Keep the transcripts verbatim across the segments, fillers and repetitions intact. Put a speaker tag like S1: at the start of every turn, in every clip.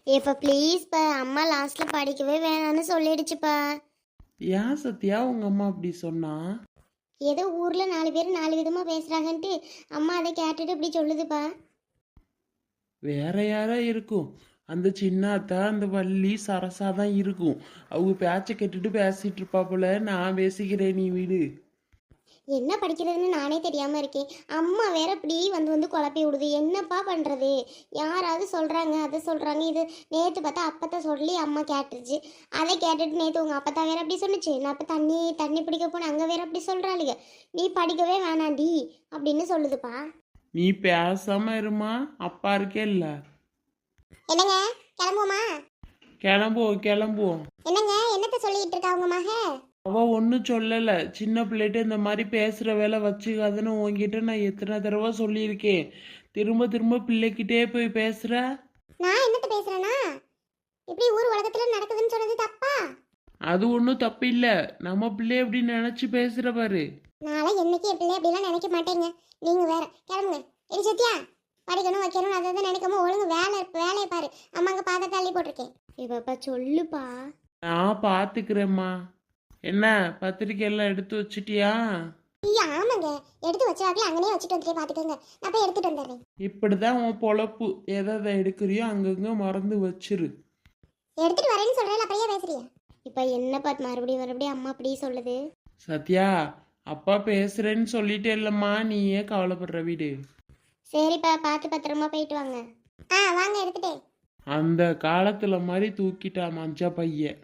S1: இப்ப ப்ளீஸ்ப்பா, அம்மா லாஸ்ட்ல படிக்கவே வேணாம்னு சொல்லிடுச்சுப்பா.
S2: ஏன் சத்யா உங்க அம்மா அப்படி சொன்னா?
S1: ஏதோ ஊர்ல நாலு பேர் நாலு விதமா பேசுறாங்கன்ட்டு அம்மா அதை கேட்டுட்டு இப்படி சொல்லுதுப்பா.
S2: வேற யாரா இருக்கும்? அந்த சின்ன அத்தா அந்த வள்ளி சரசா தான் இருக்கும். அவங்க பேச்சை கேட்டுட்டு பேசிட்டு இருப்பா போல. நான் பேசிக்கிறேன், நீ வீடு.
S1: என்ன படிக்கிறதுன்னு நானே தெரியாம இருக்கேன். அம்மா வேற இப்படி வந்து வந்து குழப்பி விடுது. என்னப்பா பண்றது? யாராவது சொல்றாங்க, அதை சொல்றாங்க. இது நேத்து பார்த்தா அப்பத்தா சொல்லி அம்மா கேட்டுருச்சு. அதை கேட்டுட்டு நேத்து உங்க அப்பத்தா வேற அப்படி சொன்னுச்சு. நான் அப்ப தண்ணி தண்ணி பிடிக்க போனேன், அங்க வேற அப்படி சொல்றாளுங்க. நீ படிக்கவே வேணாண்டி அப்படின்னு சொல்லுதுப்பா.
S2: நீ பேசாம இருமா, அப்பா இருக்கே இல்ல.
S1: என்னங்க, கிளம்புமா?
S2: கிளம்புவோம் கிளம்புவோம்.
S1: என்னங்க, என்னத்த சொல்லிட்டு இருக்கா உங்க மக?
S2: அவ ஒன்றும் சொல்லல. சின்ன பிள்ளைகிட்ட இந்த மாதிரி பேசுற வேலை வச்சுக்காதுன்னு உன்கிட்ட நான் எத்தனை தடவை சொல்லியிருக்கேன். திரும்ப திரும்ப பிள்ளைகிட்டே போய் பேசுற.
S1: நான் என்னத்த பேசுறேனா? இப்படி ஊர் உலகத்துல நடக்குதுன்னு சொன்னது தப்பா?
S2: அது ஒன்றும் தப்பு இல்லை. நம்ம பிள்ளை எப்படி நினைச்சு பேசுற பாரு.
S1: நான்லாம் என்னைக்கு என் பிள்ளை அப்படிலாம் நினைக்க மாட்டேங்க. நீங்க வேற கிளம்புங்க. எரி சத்யா, படிக்கணும் வைக்கணும் அதை தான் நினைக்காம ஒழுங்கு வேலை வேலையை பாரு. அம்மாங்க பாதை தள்ளி போட்டிருக்கேன். இப்பப்பா சொல்லுப்பா.
S2: நான் பார்த்துக்கிறேம்மா. என்ன பத்திரிக்கை எல்லாம் எடுத்து வச்சிட்டியா?
S1: ஐயா ஆமாங்க, எடுத்து வச்சாக்கல அங்கனே வச்சுட்டு வந்துட்டே பாத்துக்கோங்க. நான் போய் எடுத்துட்டு வந்துடுறேன்.
S2: இப்படிதான் உன் பொழப்பு. எதை எதை எடுக்கிறியோ அங்கங்க மறந்து வச்சிரு.
S1: எடுத்துட்டு வரேன்னு சொல்றேன், அப்படியே பேசுறியா? இப்ப என்ன பாத்து மறுபடியும் மறுபடியும் அம்மா அப்படி சொல்லுது?
S2: சத்யா, அப்பா பேசுறேன்னு சொல்லிட்டே இல்லம்மா, நீ ஏன் கவலைப்படுற வீடு.
S1: சரிப்பா, பார்த்து பத்திரமா போயிட்டு வாங்க. ஆ வாங்க, எடுத்துட்டேன்.
S2: அந்த காலத்துல மாதிரி தூக்கிட்டா மஞ்ச பையன்.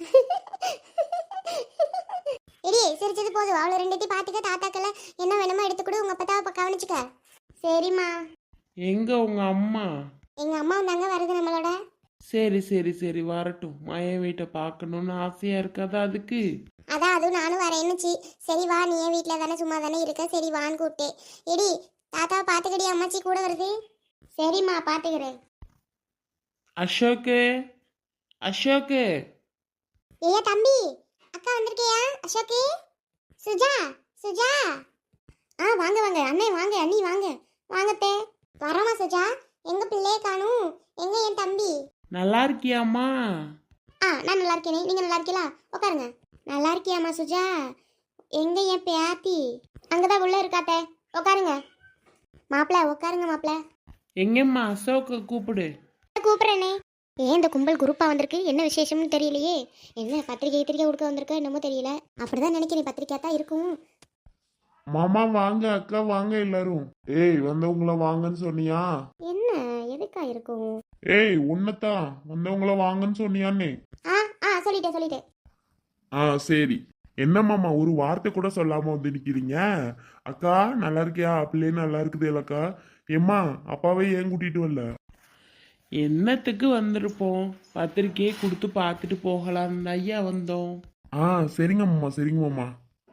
S1: இடி சிரிச்சது போதும். அவளை ரெண்டுத்தையும் பார்த்துக்க. தாத்தாக்கல என்ன வேணுமோ எடுத்து கொடு. உங்க அப்பா கவனிச்சுக்க. சரிம்மா.
S2: எங்க உங்க அம்மா?
S1: எங்க அம்மா வந்தாங்க, வருது நம்மளோட.
S2: சரி சரி சரி வரட்டும். மயன் வீட்டை பார்க்கணும்னு ஆசையா இருக்காதா அதுக்கு?
S1: அதான் அதுவும் நானும் வரேன்னுச்சு. சரி வா, நீ ஏன் வீட்டில் தானே சும்மா தானே இருக்க, சரி வான்னு கூப்பிட்டேன். இடி தாத்தாவை பார்த்துக்கடி, அம்மாச்சி கூட வருது. சரிம்மா, பார்த்துக்கிறேன்.
S2: அசோக்கு, அசோக்கு.
S1: ஏய்யா தம்பி, அக்கா வந்திருக்கியா? அசோக்கு, சுஜா, சுஜா. ஆ வாங்க வாங்க அண்ணே, வாங்க அண்ணி, வாங்க வாங்கத்தே. வரோமா சுஜா? எங்க பிள்ளைய காணும்? எங்க என் தம்பி?
S2: நல்லா இருக்கியாம்மா?
S1: ஆ நான் நல்லா இருக்கேனே, நீங்க நல்லா இருக்கீங்களா? உட்காருங்க. நல்லா இருக்கியாம்மா சுஜா? எங்க என் பேத்தி? அங்கதான் உள்ள இருக்காத்தே, உட்காருங்க. மாப்பிள்ள உட்காருங்க மாப்பிள்ள.
S2: எங்கம்மா அசோக்க கூப்பிடு.
S1: கூப்பிடுறேனே. ஏன் இந்த கும்பல் குரூப்பா வந்திருக்கு? என்ன விசேஷம்னு தெரியலையே. என்ன பத்திரிக்கை பத்திரிக்கை கொடுக்க வந்திருக்க என்னமோ தெரியல. அப்படிதான் நினைக்கிறேன், பத்திரிக்கை தான் இருக்கும்.
S3: மாமா வாங்க, அக்கா வாங்க எல்லாரும். ஏய் வந்தவங்கள வாங்கன்னு சொன்னியா?
S1: என்ன எதுக்கா இருக்கும்?
S3: ஏய் உன்னதான் வந்தவங்கள வாங்கன்னு சொன்னியான்னே.
S1: ஆ ஆ சொல்லிட்டேன் சொல்லிட்டேன்.
S3: ஆ சரி. என்ன மாமா ஒரு வார்த்தை கூட சொல்லாம வந்து நிக்கிறீங்க? அக்கா நல்லா இருக்கியா? பிள்ளையே நல்லா இருக்குது இல்லக்கா? ஏம்மா அப்பாவே ஏன் கூட்டிட்டு வரல?
S2: என்னத்துக்கு வந்திருப்போம்? பத்திரிக்கையை கொடுத்து பார்த்துட்டு போகலாம் ஐயா வந்தோம்.
S3: ஆ சரிங்க மாமா, சரிங்க மாமா.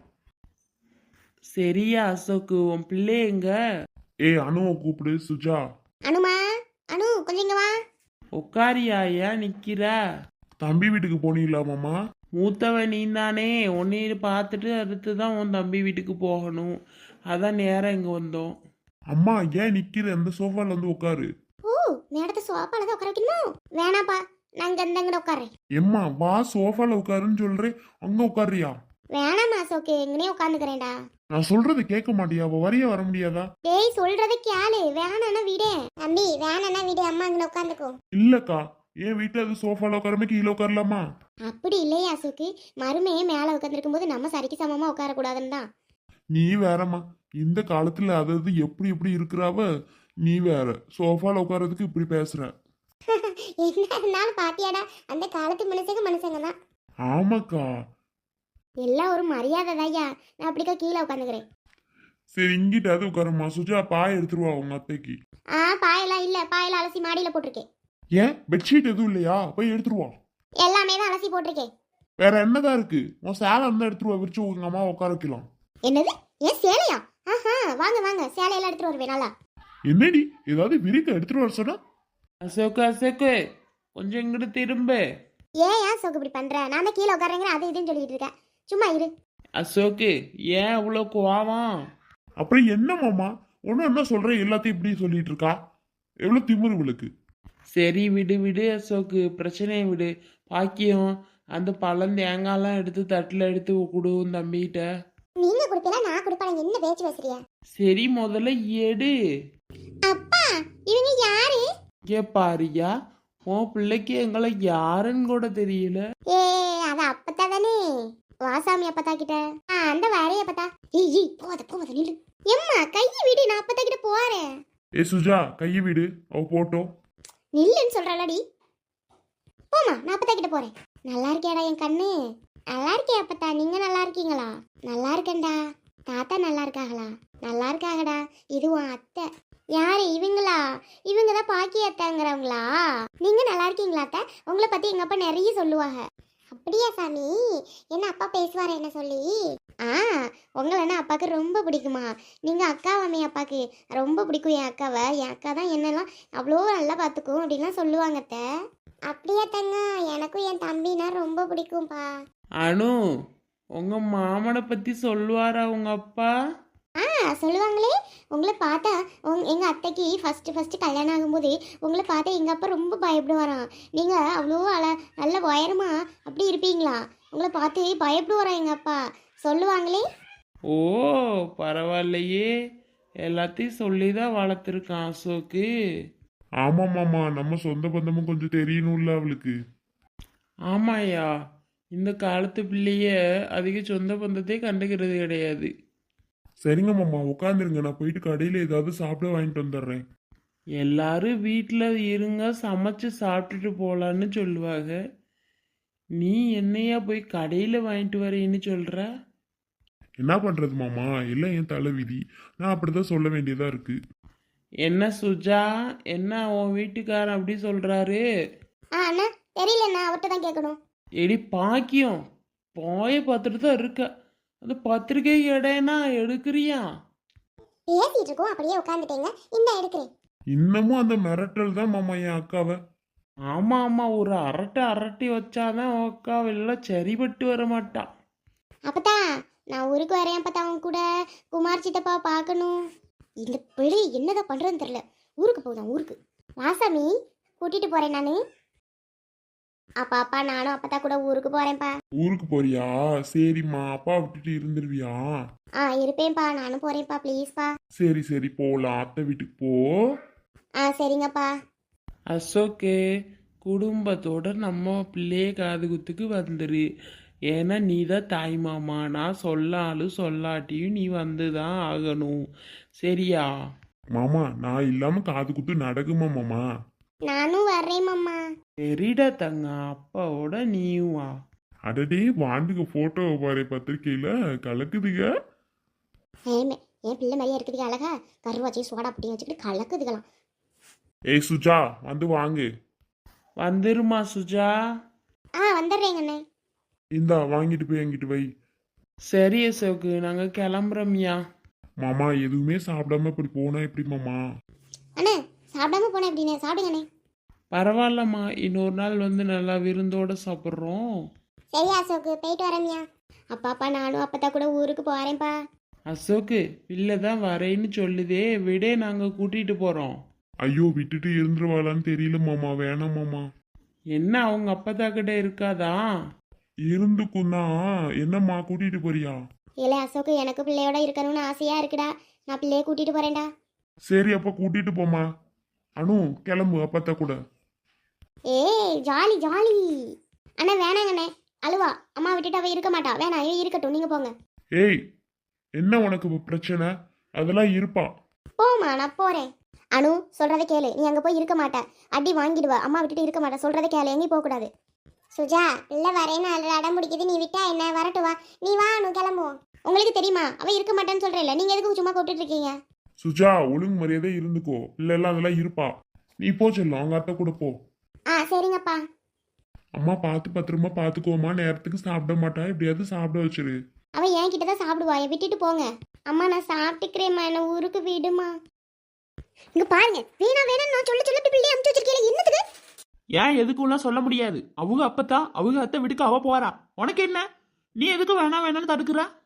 S2: சரியா அசோக்கு, உன் பிள்ளை எங்க?
S3: ஏய் அனுவை கூப்பிடு. சுஜா,
S1: அனுமா, அனு கொஞ்சம் இங்க வா.
S2: உட்காரியா? ஏன் நிக்கிறா?
S3: தம்பி வீட்டுக்கு போனீங்களா மாமா?
S2: மூத்தவன் நீ தானே. உன்னைய பார்த்துட்டு அடுத்து தான் உன் தம்பி வீட்டுக்கு போகணும். அதான் நேரம் இங்கே வந்தோம்.
S3: அம்மா ஏன் நிக்கிற? அந்த சோஃபால வந்து உட்காரு.
S1: ஓ, நேரத்தை சோப்பால தான் உட்கார வைக்கணுமா? வேணாப்பா, நான் இங்க இந்த இங்க உட்காரேன்.
S3: எம்மா வா சோஃபால உட்காருன்னு சொல்றேன், அங்க உட்காருறியா?
S1: வேணாமா அசோக்கு, எங்கனே உட்காந்துக்கிறேன்டா.
S3: நான் சொல்றது கேட்க மாட்டியா? அவ வரிய வர முடியாதா?
S1: டேய் சொல்றத கேளு. வேணானா விடு தம்பி, வேணானா விடு. அம்மா இங்க உட்காந்துக்கோ.
S3: இல்லக்கா, ஏன் வீட்டுல அது சோஃபால உட்காரமே கீழே உட்காரலாமா?
S1: அப்படி இல்லையா அசோக்கு, மருமையே மேல உட்காந்துருக்கும் போது நம்ம சரிக்கு சமமா உட்கார கூடாதுன்னு தான்.
S3: நீ வேறம்மா, இந்த காலத்துல அதாவது எப்படி எப்படி இருக்கிறாவ, நீ வேற சோஃபால உட்காரதுக்கு இப்படி பேசுற.
S1: என்ன இருந்தாலும் பாத்தியாடா, அந்த காலத்து மனுஷங்க மனுஷங்க தான்.
S3: ஆமாக்கா.
S1: எல்லாம் ஒரு மரியாதை தாய்யா. நான் அப்படிக்கா கீழே உட்காந்துக்கிறேன்.
S3: சரி இங்கிட்டாவது உட்காரம்மா. சுஜா பாய் எடுத்துருவா உங்க அத்தைக்கு.
S1: ஆ பாயெல்லாம் இல்ல, பாயெல்லாம் அலசி மாடியில போட்டிருக்கேன்.
S3: ஏன் பெட்ஷீட் எதுவும் இல்லையா? போய் எடுத்துருவா.
S1: எல்லாமே தான் அலசி போட்டிருக்கேன்.
S3: வேற என்னதான் இருக்கு? உன் சேலை இருந்தா எடுத்துருவா, விரிச்சு உங்க அம்மா உட்கார வைக்கலாம்.
S1: என்னது? ஏன் சேலையா? ஆஹா, வாங்க வாங்க, சேலையெல்லாம் எடுத்துட்டு வருவேன். நல்லா
S3: என்னடி ஏதாவது விரிக்க எடுத்துட்டு வர சொன்னா?
S2: அசோக்கு அசோக்கு, கொஞ்சம் இங்கிட்டு திரும்ப.
S1: ஏன் ஏன் சோக்கு இப்படி பண்ற? நான் தான் கீழே உட்காரங்க அது இதுன்னு சொல்லிட்டு இருக்கேன். சும்மா இரு.
S2: அசோக்கு, ஏன் அவ்வளோ கோவம்?
S3: அப்புறம் என்ன மாமா ஒன்னும் என்ன சொல்ற, எல்லாத்தையும் இப்படி சொல்லிட்டு இருக்கா? எவ்வளவு திமிரு இவளுக்கு.
S2: சரி விடு விடு அசோக்கு, பிரச்சனையை விடு. பாக்கியம் அந்த பழம் தேங்காய்லாம் எடுத்து தட்டில் எடுத்து கொடு உன் தம்பிகிட்ட.
S1: நீங்க கொடுப்பீங்களா நான் கொடுப்பேன், என்ன பேச்சு பேசுறிய?
S2: சரி முதல்ல எடு.
S1: அப்பா இவங்க யாரு?
S2: ஏ பாரியா, உன் பிள்ளைக்கு எங்களை யாருன்னு கூட தெரியல.
S1: ஏ அது அப்பத்தா தானே, வாசாமி அப்பத்தா கிட்ட. ஆ அந்த வேறைய அப்பத்தா. ஏய் ஏய் போத போத நில்லு. எம்மா கையை விடு, நான் அப்பத்தா கிட்ட போறேன்.
S3: ஏ சுஜா கையை விடு, அவ போட்டோம்.
S1: நில்லுன்னு சொல்றாளடி. போமா, நான் அப்பத்தா கிட்ட போறேன். நல்லா இருக்கியாடா என் கண்ணு? நல்லா இருக்கே அப்பத்தா, நீங்க நல்லா இருக்கீங்களா? நல்லா இருக்கேன்டா. தாத்தா நல்லா இருக்காங்களா? நல்லா இருக்காங்கடா. இது உன் அத்தை. யாரு இவங்களா? இவங்க தான் பாக்கி அத்தைங்கிறவங்களா? நீங்க நல்லா இருக்கீங்களா அத்தை? உங்களை பத்தி எங்க அப்பா நிறைய சொல்லுவாங்க. அப்படியா சாமி? என்ன அப்பா பேசுவார் என்ன சொல்லி? ஆ உங்களன்னா அப்பாவுக்கு ரொம்ப பிடிக்குமா? நீங்க அக்காவாமே அப்பாவுக்கு ரொம்ப பிடிக்கும். என் அக்காவை, என் அக்கா தான் என்னெல்லாம் அவ்வளோ நல்லா பார்த்துக்கும் அப்படின்லாம் சொல்லுவாங்க அத்தை. அப்படியா தங்க? எனக்கும் என் தம்பினா ரொம்ப பிடிக்கும்பா.
S2: அனு, உங்க மாமனை பத்தி சொல்லுவாரா உங்க அப்பா?
S1: ஆ சொல்லுவாங்களே. உங்களை பார்த்தா உங் எங்கள் அத்தைக்கு ஃபஸ்ட்டு ஃபஸ்ட்டு கல்யாணம் ஆகும்போது உங்களை பார்த்தா எங்கள் அப்பா ரொம்ப பயப்படுவாராம். நீங்கள் அவ்வளோ அழ நல்ல உயரமா அப்படி இருப்பீங்களா? உங்களை பார்த்து பயப்படுவாராம் எங்கள் அப்பா, சொல்லுவாங்களே.
S2: ஓ பரவாயில்லையே, எல்லாத்தையும் சொல்லி தான் வளர்த்துருக்கான் அசோக்கு.
S3: ஆமா மாமா, நம்ம சொந்த பந்தமும் கொஞ்சம் தெரியணும்ல அவளுக்கு.
S2: ஆமாயா, இந்த காலத்து பிள்ளைய அதிக சொந்த பந்தத்தை கண்டுக்கிறது கிடையாது.
S3: சரிங்க மாமா உட்காந்துருங்க, நான் போயிட்டு கடையில ஏதாவது சாப்பிட வாங்கிட்டு வந்துடுறேன்.
S2: எல்லாரும் வீட்டில் இருங்க, சமைச்சு சாப்பிட்டுட்டு போகலான்னு சொல்லுவாங்க. நீ என்னையா போய் கடையில் வாங்கிட்டு வரேன்னு சொல்கிற?
S3: என்ன பண்றது மாமா, எல்லாம் என் தலை விதி. நான் அப்படிதான் சொல்ல வேண்டியதா இருக்கு.
S2: என்ன சுஜா, என்ன உன் வீட்டுக்காரன் அப்படி சொல்கிறாரு?
S1: ஆ அண்ணா தெரியலண்ணா, அவர்கிட்ட தான் கேட்கணும்.
S2: எடி பாக்கியம், போய பார்த்துட்டு தான் இருக்க. அது பத்திரிக்கை இடையனா எடுக்கிறியா?
S1: பேசிட்டு இருக்கோம் அப்படியே உட்காந்துட்டேங்க, இந்த எடுக்கிறேன்.
S3: இன்னமும் அந்த மிரட்டல் தான் மாமா என் அக்காவை.
S2: ஆமாம் ஆமாம், ஒரு அரட்டை அரட்டி வச்சாதான் உக்காவெல்லாம் சரிபட்டு வர மாட்டான்.
S1: அப்பத்தா நான் ஊருக்கு வரேன் அப்பத்தா, அவங்க கூட குமார் சித்தப்பா பார்க்கணும். இந்த பிள்ளை என்னதான் பண்ணுறதுன்னு தெரில. ஊருக்கு போகுதான் ஊருக்கு. வாசாமி கூட்டிகிட்டு போகிறேன் நான். அப்பா அப்பா நானும் அப்பத்தா கூட ஊருக்கு போகிறேன்ப்பா.
S3: ஊருக்கு போறியா? சரிம்மா, அப்பா விட்டுட்டு இருந்துருவியா?
S1: ஆ இருப்பேன்ப்பா, நானும் போகிறேன்ப்பா, ப்ளீஸ்ப்பா.
S3: சரி சரி போலாம், அத்தை வீட்டுக்கு போ.
S1: ஆ சரிங்கப்பா.
S2: அசோக்கு, குடும்பத்தோட நம்ம பிள்ளைய காது குத்துக்கு வந்துரு. ஏன்னா நீ தான் தாய் மாமா. நான் சொல்லாலும் சொல்லாட்டியும் நீ வந்து தான் ஆகணும், சரியா?
S3: மாமா நான் இல்லாம காது குத்து நடக்குமா மாமா?
S1: நானும் வர்றேன் மாமா.
S2: சரிடா தங்க, அப்பாவோட நீயும் வா.
S3: அடடே வாண்டுக்கு போட்டோவை பாரு, பத்திரிக்கையில கலக்குதுங்க.
S1: ஏமே என் பிள்ளை மாதிரியா இருக்குதுங்க, அழகா கருவாச்சி சோடா புட்டி வச்சுக்கிட்டு கலக்குதுக்கலாம்.
S3: ஏய் சுஜா வந்து வாங்கு.
S2: வந்துருமா சுஜா?
S1: ஆ வந்துடுறேங்கண்ணே.
S3: இந்தா வாங்கிட்டு போய் எங்கிட்டு வை.
S2: சரி அசோக்கு, நாங்கள் கிளம்புறோம்யா.
S3: மாமா எதுவுமே சாப்பிடாம இப்படி போனா எப்படி மாமா?
S1: அண்ணே சாப்பிடாம போனேன் எப்படிண்ணே, சாப்பிடுங்கண்ணே.
S2: பரவாயில்லம்மா, இன்னொரு நாள் வந்து நல்லா விருந்தோட சாப்பிட்றோம்.
S1: சரி அசோக்கு, போயிட்டு வரேன்யா. அப்பா அப்பா நானும் அப்பத்தா கூட ஊருக்கு போகிறேன்ப்பா.
S2: அசோக்கு, பிள்ளை தான் வரேன்னு சொல்லுதே, விடே, நாங்கள் கூட்டிகிட்டு போகிறோம்.
S3: ஐயோ விட்டுட்டு இருந்துருவாளான்னு தெரியல மாமா, வேணாம் மாமா.
S2: என்ன அவங்க அப்பத்தா கிட்ட இருக்காதா?
S3: இருந்துக்குன்னா என்னம்மா கூட்டிட்டு போறியா?
S1: இல்லை அசோக்கு, எனக்கு பிள்ளையோட இருக்கணும்னு ஆசையாக இருக்குடா. நான் பிள்ளைய கூட்டிகிட்டு போகிறேன்டா.
S3: சரி அப்ப கூட்டிட்டு போமா. அனு கிளம்பு அப்பத்தா கூட.
S1: ஏய் ஜாலி ஜாலி. அண்ணா வேணாங்கண்ணே, அழுவா. அம்மா விட்டுட்டு அவ இருக்க மாட்டா, வேணாம் ஏய் இருக்கட்டும், நீங்கள் போங்க.
S3: ஏய் என்ன உனக்கு இப்ப பிரச்சனை? அதெல்லாம் இருப்பா.
S1: போமா நான் போகிறேன். அனு சொல்கிறத கேளு, நீ அங்கே போய் இருக்க மாட்டேன், அடி வாங்கிடுவா. அம்மா விட்டுட்டு இருக்க மாட்டேன், சொல்கிறத கேளு, எங்கேயும் போகக்கூடாது. சுஜா இல்லை வரேன்னு அட அடம் பிடிக்குது, நீ விட்டா என்ன, வரட்டு வா. நீ வா அனு கிளம்புவோம். உங்களுக்கு தெரியுமா அவ இருக்க மாட்டேன்னு சொல்கிறேன்ல, நீங்கள் எதுக்கு சும்மா கூப்பிட்டு இருக்கீங்க?
S3: சுஜா ஒழுங்கு மரியாதை இருந்துக்கோ, இல்லைல்லாம் அதெல்லாம் இருப்பா. நீ போ செல்லும், அவங்க அத்தை கூட போ.
S1: ஆ சரிங்கப்பா.
S3: அம்மா பார்த்து பத்திரமா பார்த்துக்கோமா, நேரத்துக்கு சாப்பிட மாட்டா, எப்படியாவது சாப்பிட வச்சிரு.
S1: அவன் என் கிட்ட தான் சாப்பிடுவா, என் விட்டுட்டு போங்க. அம்மா நான் சாப்பிட்டுக்கிறேம்மா, என்ன ஊருக்கு விடுமா. இங்க பாருங்க, வேணா வேணா நான் சொல்ல சொல்ல பிள்ளை அமுச்சு வச்சிருக்கேன், என்னத்துக்கு?
S2: ஏன் எதுக்கும்லாம் சொல்ல முடியாது. அவங்க அப்பத்தா அவங்க அத்தை வீட்டுக்கு அவ போறா, உனக்கு என்ன? நீ எதுக்கு வேணாம் வேணாம்னு தடுக்கிறா?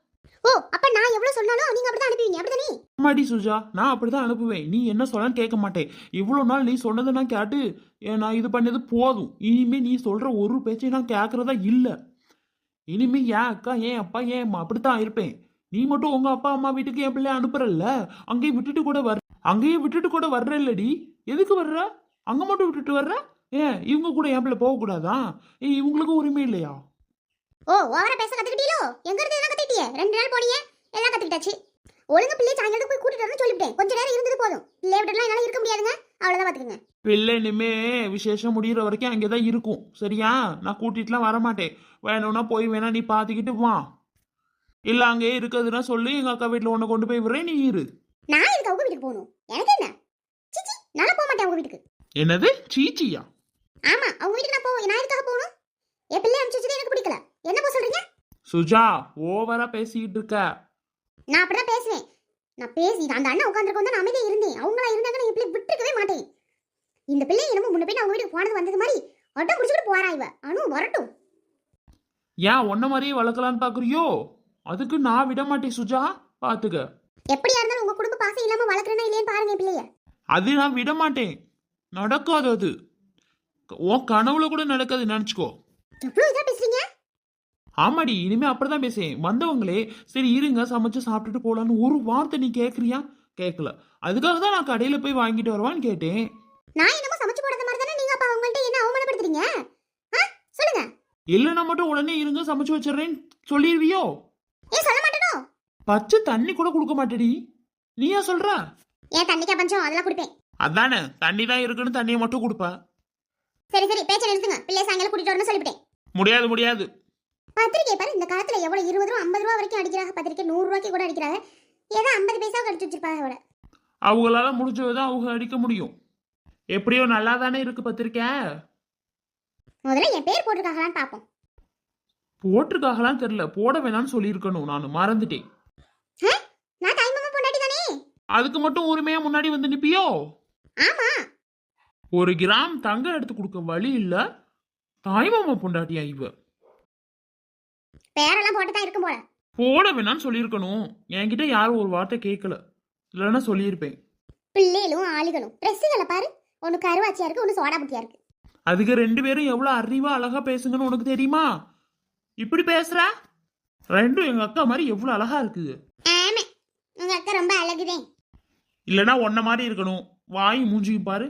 S1: ஓ அப்ப நான் எவ்வளவு சொன்னாலும் நீங்க அப்படிதான் அனுப்புவீங்க அப்படிதானே?
S2: ஆமாடி சுஜா, நான் அப்படிதான் அனுப்புவேன். நீ என்ன சொன்னாலும் கேட்க மாட்டேன். இவ்வளோ நாள் நீ சொன்னதை நான் கேட்டு ஏ, நான் இது பண்ணது போதும். இனிமே நீ சொல்ற ஒரு பேச்சையும் நான் கேட்கறதா இல்லை. இனிமே ஏன் அக்கா ஏன் அப்பா ஏன் அம்மா அப்படித்தான் இருப்பேன். நீ மட்டும் உங்க அப்பா அம்மா வீட்டுக்கு என் பிள்ளைய அனுப்புறல்ல, அங்கேயும் விட்டுட்டு கூட வர அங்கேயும் விட்டுட்டு கூட வர்ற இல்லடி. எதுக்கு வர்ற? அங்க மட்டும் விட்டுட்டு வர்ற? ஏன் இவங்க கூட என் பிள்ளை போக கூடாதா? ஏ இவங்களுக்கு உரிமை இல்லையா?
S1: ஓ ஓவரா பேச கத்துக்கிட்டீங்களோ? எங்க இருந்து எல்லாம் கத்துக்கிட்டியே? ரெண்டு நாள் போனீங்க எல்லாம் கத்துக்கிட்டாச்சு. ஒழுங்கா பிள்ளை சாயங்காலத்துக்கு போய் கூட்டிட்டு வரணும்னு சொல்லிவிட்டேன். கொஞ்ச நேரம் இருந்தது போதும். பிள்ளை விட்டுலாம் என்னால இருக்க முடியாதுங்க. அவ்வளவுதான் பாத்துக்கங்க.
S2: பிள்ளை இனிமே விசேஷம் முடிகிற வரைக்கும் அங்கேதான் இருக்கும். சரியா? நான் கூட்டிட்டுலாம் வரமாட்டேன். வேணும்னா போய் வேணா நீ பாத்துக்கிட்டு வா. இல்ல அங்கேயே இருக்கிறதுனா சொல்லி எங்க அக்கா வீட்டுல உன்னை கொண்டு போய் விடுறேன், நீ இரு.
S1: நான் எதுக்கு அவங்க வீட்டுக்கு போகணும்? எனக்கு என்ன? சிச்சி நான் போக மாட்டேன் அவங்க வீட்டுக்கு.
S2: என்னது சீச்சியா?
S1: ஆமா அவங்க வீட்டுக்கு நான் போவேன். நான் எதுக்காக போகணும்? என் பிள்ளை அனுப்பிச்சு எனக்கு பிடிக்கல. என்ன போ சொல்றீங்க?
S2: சுஜா ஓவரா பேசிக்கிட்டு இருக்க.
S1: நான் அப்படிதான் பேசுவேன். நான் பேசி அந்த அண்ணன் உட்காந்துருக்கோம் தான் நான் அமைதியா இருந்தேன். அவங்களா இருந்தாங்க என் பிள்ளை விட்டுருக்கவே மாட்டேன். இந்த பிள்ளை என்னமோ முன்ன போய் அவங்க வீட்டுக்கு போனது வந்தது மாதிரி அட்டம் பிடிச்சிட்டு போறா இவ. அனு வரட்டும்.
S2: ஏன் ஒன்ன மாதிரியே வளர்க்கலான்னு பாக்குறியோ? அதுக்கு நான் விட மாட்டேன் சுஜா, பாத்துக்க.
S1: எப்படியா இருந்தாலும் உங்க குடும்ப பாசம் இல்லாம வளர்க்கறேனா இல்லையான்னு பாருங்க பிள்ளைய.
S2: அது நான் விட மாட்டேன். நடக்காது அது. உன் கனவுல கூட நடக்காது, நினைச்சுக்கோ.
S1: எவ்வளவு இதா பேசுறீங்க?
S2: ஆமாடி, இனிமே அப்படிதான் பேசேன். வந்தவங்களே சரி இருங்க சமைச்சு சாப்பிட்டுட்டு போலான்னு ஒரு வார்த்தை நீ கேட்கறியா? கேட்கல. அதுக்காக தான் நான் கடையில போய் வாங்கிட்டு வருவான்னு கேட்டேன்.
S1: நான் என்னமோ சமைச்சு போடாத மாதிரி தானே நீங்க அப்ப அவங்கள்ட்ட என்ன அவமானப்படுத்துறீங்க? சொல்லுங்க.
S2: இல்லைன்னா மட்டும் உடனே இருங்க சமைச்சு வச்சிடறேன்னு சொல்லிடுவியோ?
S1: ஏன் சொல்ல மாட்டேனோ?
S2: பச்சை தண்ணி கூட கொடுக்க மாட்டேடி. நீயா சொல்ற?
S1: ஏன் தண்ணிக்கா பஞ்சம்? அதெல்லாம் குடிப்பேன்.
S2: அதானே, தண்ணி தான் இருக்குன்னு தண்ணியை மட்டும் கொடுப்ப.
S1: சரி சரி பேச்ச நிறுத்துங்க. பிள்ளை சாயங்காலம் கூட்டிட்டு வரணும்னு சொல்லிவிட்டேன்.
S2: முடியாது முடியாது.
S1: பத்திரிக்கை பாரு, இந்த காலத்துல எவ்வளவு இருபது ரூபா ஐம்பது ரூபா வரைக்கும் அடிக்கிறாங்க. பத்திரிக்கை நூறு ரூபாய்க்கு கூட அடிக்கிறாங்க. ஏதோ ஐம்பது பைசா அடிச்சு வச்சிருப்பாங்க அவளை.
S2: அவங்களால முடிஞ்சதுதான் அவங்க அடிக்க முடியும். எப்படியோ நல்லா தானே இருக்கு பத்திரிக்கை.
S1: முதல்ல என் பேர் போட்டிருக்காங்களான்னு பாப்போம்.
S2: போட்டிருக்காகலாம் தெரியல, போட வேணாம்னு சொல்லியிருக்கணும். நான் மறந்துட்டேன்.
S1: நான் தாய் மாமா பொண்டாட்டி தானே.
S2: அதுக்கு மட்டும் உரிமையா முன்னாடி வந்து நிப்பியோ?
S1: ஆமா.
S2: ஒரு கிராம் தங்கம் எடுத்து கொடுக்க வழி இல்ல, தாய்மாமா பொண்டாட்டியா இவ?
S1: பேரெல்லாம் போட்டு தான் இருக்கும் போல.
S2: போட வேணாம்னு சொல்லியிருக்கணும். என்கிட்ட யாரும் ஒரு வார்த்தை கேட்கல, இல்லைன்னா சொல்லியிருப்பேன்.
S1: பிள்ளைகளும் ஆளுகளும் ட்ரெஸ்ஸுகளை பாரு, ஒன்னு கருவாச்சியா இருக்கு, ஒன்னு சோடா புட்டியா இருக்கு.
S2: அதுக்கு ரெண்டு பேரும் எவ்வளவு அறிவா அழகா பேசுங்கன்னு உனக்கு தெரியுமா? இப்படி பேசுற ரெண்டும் எங்க அக்கா மாதிரி எவ்வளவு அழகா இருக்குது.
S1: ஆமா உங்க அக்கா ரொம்ப அழகுதே.
S2: இல்லனா ஒன்ன மாதிரி இருக்கணும். வாய் மூஞ்சியும் பாரு.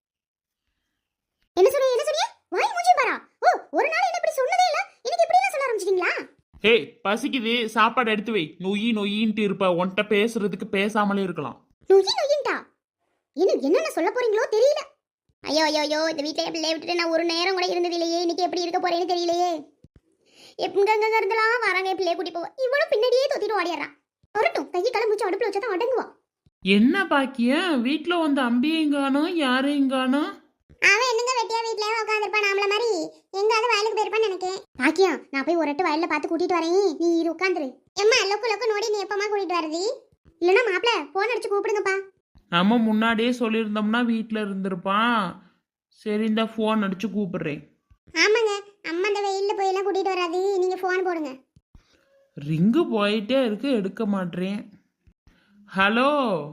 S1: என்ன சொல்றீங்க? என்ன சொல்றீங்க? வாய் மூஞ்சியும் பாரா? ஓ ஒரு நாள் என்ன இப்படி சொன்னதே இல்ல, இன்னைக்கு இப்படி எல்லாம் சொல்ல ஆரம்பிச்சிட்டீங்களா?
S2: ஹே பசிக்குது, சாப்பாடு எடுத்து வை. நொய்யி நொய்யின்ட்டு இருப்ப. உன்கிட்ட பேசுறதுக்கு பேசாமலே இருக்கலாம்.
S1: நொய்யி நொய்யின்டா? இன்னும் என்னென்ன சொல்ல போறீங்களோ தெரியல. ஐயோ ஐயோ ஐயோ, இந்த வீட்லயே பிள்ளைய விட்டுட்டு நான் ஒரு நேரம் கூட இருந்தது இல்லையே. இன்னைக்கு எப்படி இருக்க போறேன்னு தெரியலையே. எங்கங்க இருந்தெல்லாம் வராங்க பிள்ளைய கூட்டி போவ. இவனும் பின்னாடியே தொத்திட்டு ஓடிடுறான். வரட்டும், கையை கால மூச்சு அடுப்புல வச்சாதான் அடங்குவான்.
S2: என்ன பாக்கியம், வீட்டுல வந்து அம்பியையும் காணோம், யாரையும் காணோம்.
S1: அவன் என்னங்க வெட்டியா வீட்லயே உட்காந்துருப்பான் நம்மள மாதிரி. எங்காவது வயலுக்கு போயிருப்பான்னு நினைக்கேன். பாக்கியம், நான் போய் ஒரு எட்டு வயல்ல பார்த்து கூட்டிட்டு வரேன், நீ இரு உட்காந்துரு. எம்மா லொக்கு லொக்கு நோடி நீ எப்பமா கூட்டிட்டு வரது? இல்லைன்னா மாப்பிள்ள போன் அடிச்சு கூப்பிடுங்கப்பா.
S2: நம்ம முன்னாடியே சொல்லியிருந்தோம்னா வீட்டுல இருந்திருப்பான். சரி இந்த போன் அடிச்சு கூப்பிடுறேன்.
S1: ஆமாங்க, அம்மா இந்த வெயில்ல போய் எல்லாம் கூட்டிட்டு வராது, நீங்க போன் போடுங்க.
S2: ரிங்கு போயிட்டே இருக்கு, எடுக்க மாட்டேன். ஹலோ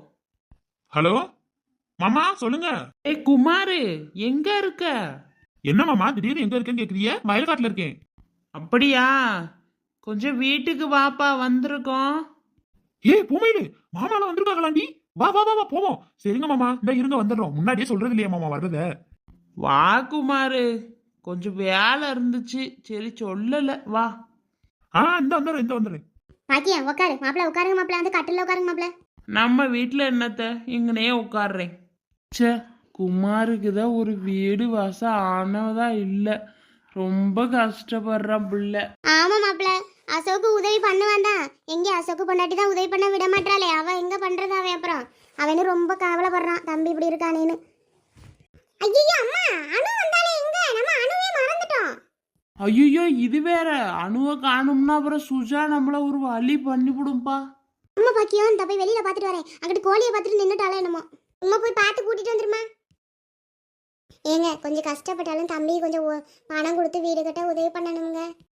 S3: ஹலோ மாமா சொல்லுங்க.
S2: ஏ குமாரு, எங்க இருக்க?
S3: என்ன மாமா திடீர்னு எங்க இருக்கேன்னு கேக்குறீங்க? வயல்காட்டுல இருக்கேன்.
S2: அப்படியா, கொஞ்சம் வீட்டுக்கு வாப்பா, வந்திருக்கோம்.
S3: ஏ பூமையிலு, மாமாலாம் வந்திருக்காங்களாண்டி. வா வா வா வா போவோம். சரிங்க மாமா, இந்த இருங்க வந்துடுறோம். முன்னாடியே சொல்றது இல்லையா மாமா வர்றத?
S2: வா குமாரு, கொஞ்சம் வேலை இருந்துச்சு, சரி சொல்லல, வா.
S3: ஆ இந்த வந்துடுறேன் இந்த வந்துடுறேன்.
S1: பாக்கியம் உட்காரு மாப்பிள்ள, உட்காருங்க மாப்பிள்ள, அந்த கட்டில உட்காருங்க மாப்பிள்ள.
S2: நம்ம வீட்டில் என்னத்த, இங்கனே உட்காடுறேன். சே, குமாருக்கு தான் ஒரு வீடு வாசம் ஆனதா இல்லை, ரொம்ப கஷ்டப்படுறான் பிள்ளை.
S1: ஆமா மாப்பிள்ள, அசோக்கு உதவி பண்ணுவான் தான். எங்க அசோக்கு பொண்டாட்டி தான் உதவி பண்ண விட மாட்டாளே, அவ எங்க பண்றது? அவன் அப்புறம் அவனு ரொம்ப கவலைப்படுறான், தம்பி இப்படி இருக்கானேன்னு. ஐயோ அம்மா, அனு வந்தாலே எங்க? நம்ம அனுவே மறந்துட்டோம்.
S2: ஐயோ இது வேற, அணுவை காணும்னா அப்புறம் சுஜா நம்மள ஒரு வழி பண்ணிவிடும்பா.
S1: அம்மா பாக்கியம், இந்த போய் வெளியில பாத்துட்டு வரேன். அங்கிட்டு கோழியை பார்த்துட்டு நின்னுட்டாலே என்னமோ. உமா போய் பார்த்து கூட்டிட்டு வந்துருமா. ஏங்க கொஞ்சம் கஷ்டப்பட்டாலும் தம்பி கொஞ்சம் பணம் கொடுத்து வீடு கட்ட உதவி பண்ணணுங்க.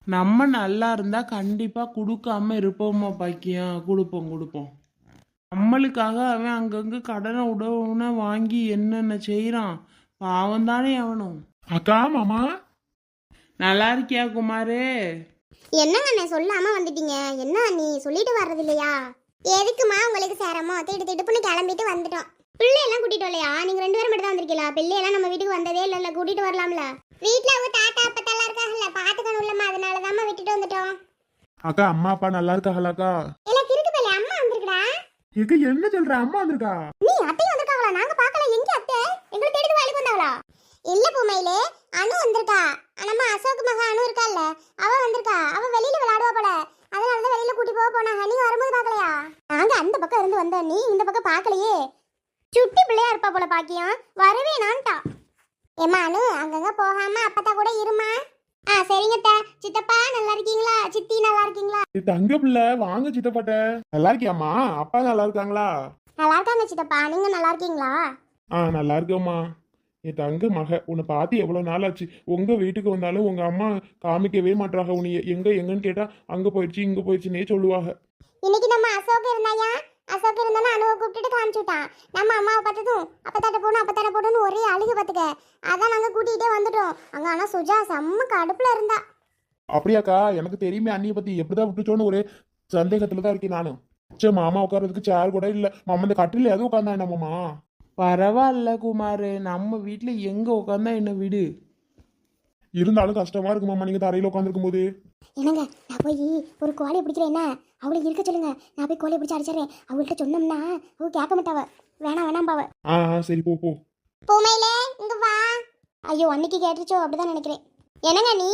S2: நம்ம நல்லா இருந்தா கண்டிப்பா கொடுக்காம இருப்போமா பாக்கியம், கொடுப்போம் கொடுப்போம். நம்மளுக்காக அவன் அங்கங்க கடனை உடவுன வாங்கி என்னென்ன செய்யறான், பாவம் தானே அவனும்.
S3: அக்கா மாமா
S2: நல்லா இருக்கியா குமாரே?
S1: என்னங்க அண்ணே சொல்லாம வந்துட்டீங்க? என்ன நீ சொல்லிட்டு வர்றது இல்லையா? எதுக்குமா உங்களுக்கு சேரமோ திட்டு திட்டுப்புன்னு கிளம்பிட்டு வந்துட்டோம். பிள்ளையெல்லாம் கூட்டிட்டு வரலையா? நீங்க ரெண்டு பேரும் மட்டும் தான் வந்திருக்கீங்களா? பிள்ளையெல்லாம் நம்ம வீட்டுக்கு வந்ததே இல்ல. கூட்டிட்டு வரலாம்ல? வீட்டுல அவங்க தாத்தா அப்பத்தெல்லாம் இருக்காங்கல்ல, பாத்துக்கணும்லம்மா, அதனாலதாம்மா விட்டுட்டு வந்துட்டோம்.
S3: அக்கா அம்மா அப்பா நல்லா இருக்காங்களாக்கா?
S1: இல்ல திருக்கு பிள்ளை அம்மா வந்திருக்கடா.
S3: எங்க என்ன சொல்ற, அம்மா வந்திருக்கா?
S1: நீ அத்தை வந்திருக்காங்களா? நாங்க பார்க்கல. எங்க அத்தை? எங்களை தேடி வேலைக்கு வந்தாங்களா? இல்ல பூமையிலே, அனு வந்திருக்கா. நம்ம அசோக் மகா அனு இருக்கால்ல, அவ வந்திருக்கா. அவ வெளியில விளையாடுவா போல, அதனாலதான் வெளியில கூட்டி போக போனாங்க. நீங்க வரும்போது பார்க்கலையா? நாங்க அந்த பக்கம் இருந்து வந்தோம், நீ இந்த பக்கம் பார்க்கலையே. சுட்டி பிள்ளையா இருப்பா போல பாக்கியம், வரவே நான்ட்டா. ஏமா அனு, அங்கங்க போகாம அப்பத்தா கூட இருமா. ஆ சரிங்க அத்தை. சித்தப்பா நல்லா இருக்கீங்களா? சித்தி நல்லா இருக்கீங்களா?
S3: இது தங்க பிள்ளை, வாங்க சித்தப்பாட்ட. நல்லா இருக்கியாம்மா? அப்பா நல்லா இருக்காங்களா?
S1: நல்லா இருக்காங்க சித்தப்பா. நீங்க நல்லா இருக்கீங்களா?
S3: ஆ நல்லா இருக்கேம்மா. என் தங்க மக, உன்னை பார்த்து எவ்வளோ நாள் ஆச்சு. உங்க வீட்டுக்கு வந்தாலும் உங்க அம்மா காமிக்கவே மாட்டாங்க. உன்னை எங்க எங்கன்னு கேட்டா அங்க போயிடுச்சு இங்க போயிடுச்சுன்னே சொல்லுவாங்க.
S1: இன்னைக்கு நம்ம அசோக் இருந்தாயா? அசோக் இருந்தானே அனுவை கூப்பிட்டுட்டு காமிச்சு விட்டான். நம்ம அம்மாவை பார்த்ததும் அப்பத்தாட்ட போகணும் அப்பத்தாட்ட போகணும்னு ஒரே அழுகு பார்த்துக்க. அதான் நாங்கள் கூட்டிகிட்டே வந்துட்டோம். அங்கே ஆனால் சுஜா செம்ம கடுப்பில் இருந்தா.
S3: அப்படியாக்கா? எனக்கு தெரியுமே அண்ணியை பத்தி. எப்படிதான் விட்டுச்சோன்னு ஒரே சந்தேகத்துல தான் இருக்கேன் நானும். சரி, மாமா உட்கார்றதுக்கு சேர் கூட இல்ல. மாமா இந்த கட்டில எதுவும் உட்காந்தா என்ன மாமா?
S2: பரவாயில்ல குமாரு, நம்ம வீட்டில் எங்கே உட்காந்தா என்ன வீடு.
S3: இருந்தாலும் கஷ்டமா இருக்கு மாமா, நீங்க தரையில உட்காந்துருக்கும் போது.
S1: என்னங்க, நான் போய் ஒரு கோழியை பிடிக்கிறேன். என்ன அவளுக்கு இருக்க சொல்லுங்க. நான் போய் கோழியை பிடிச்சி அடிச்சிடறேன். அவங்கள்ட்ட சொன்னோம்னா அவ கேட்க மாட்டாவ. வேணாம் வேணாம் பாவ.
S3: ஆ ஆ, சரி போ போ.
S1: பூமையிலே இங்க வா. ஐயோ அன்னைக்கு கேட்டுச்சோ, அப்படிதான் நினைக்கிறேன். என்னங்க நீ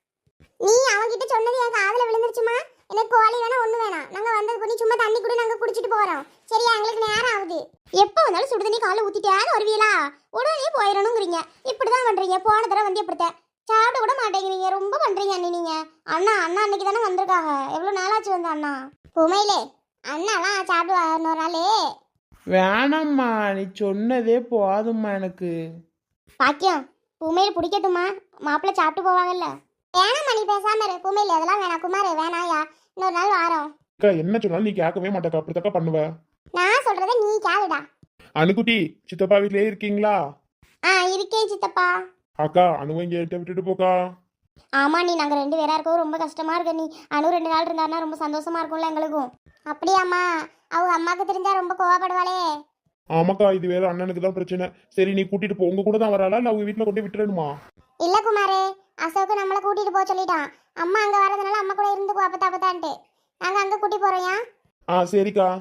S1: நீ அவன்கிட்ட சொன்னது என் காதுல விழுந்துருச்சுமா. எனக்கு கோழி வேணா ஒண்ணு வேணாம். நாங்க வந்தது பண்ணி சும்மா தண்ணி கூட நாங்க குடிச்சிட்டு போறோம். சரியா? எங்களுக்கு நேரம் ஆகுது. எப்போ வந்தாலும் சுடு தண்ணி காலைல ஊத்திட்டாரு வருவீங்களா? உடனே போயிடணுங்கிறீங்க. இப்படிதான் பண்றீங்க. போன தடவை வந்து எப்படித்த சாப்பிட கூட மாட்டேங்கிறீங்க. ரொம்ப பண்றீங்க அண்ணி நீங்க. அண்ணா அண்ணா அன்னைக்கு தானே வந்திருக்காங்க. எவ்வளவு நாளாச்சு வந்து அண்ணா? பூமையிலே அண்ணாலாம் சாப்பிடுவா இன்னொரு நாளே.
S2: வேணாம்மா, நீ சொன்னதே போதும்மா எனக்கு.
S1: பாக்கியம், பூமையில பிடிக்கட்டுமா? மாப்பிள்ளை சாப்பிட்டு போவாங்கல்ல. வேணாம்மா, நீ பேசாம இரு. பூமையில அதெல்லாம் வேணாம். குமார் வேணாயா, இன்னொரு நாள் வாரோம்.
S3: அக்கா என்ன சொன்னாலும் நீ கேட்கவே மாட்டேக்கா. அப்படித்தாக்கா பண்ணுவ.
S1: நான் சொல்றத நீ கேளுடா.
S3: அணுக்குட்டி, சித்தப்பா வீட்லயே இருக்கீங்களா?
S1: ஆ இருக்கேன் சித்தப்பா.
S3: அக்கா அணுவை இங்க என்கிட்ட விட்டுட்டு போக்கா.
S1: ஆமா நீ, நாங்க ரெண்டு பேரா இருக்கவும் ரொம்ப கஷ்டமா இருக்கு. நீ அனு ரெண்டு நாள் இருந்தாருன்னா ரொம்ப சந்தோஷமா இருக்கும்ல எங்களுக்கும். அப்படியாம்மா? அவங்க அம்மாக்கு தெரிஞ்சா ரொம்ப கோவப்படுவாளே.
S3: ஆமாக்கா, இது வேற அண்ணனுக்கு தான் பிரச்சனை. சரி நீ கூட்டிட்டு போ. உங்க கூட தான் வராளா இல்ல அவங்க வீட்டுல கொண்டு விட்டுறணுமா?
S1: இல்ல குமாரே, அசோக்கு நம்மளை கூட்டிட்டு போக சொல்லிட்டான். அம்மா அங்க வரதுனால அம்மா கூட இருந்துக்கோ அப்பத்தா அப்பத்தான்ட்டு. நாங்க அங்க கூட்டி போறோம்யா.
S3: ஆ சரிக்கா.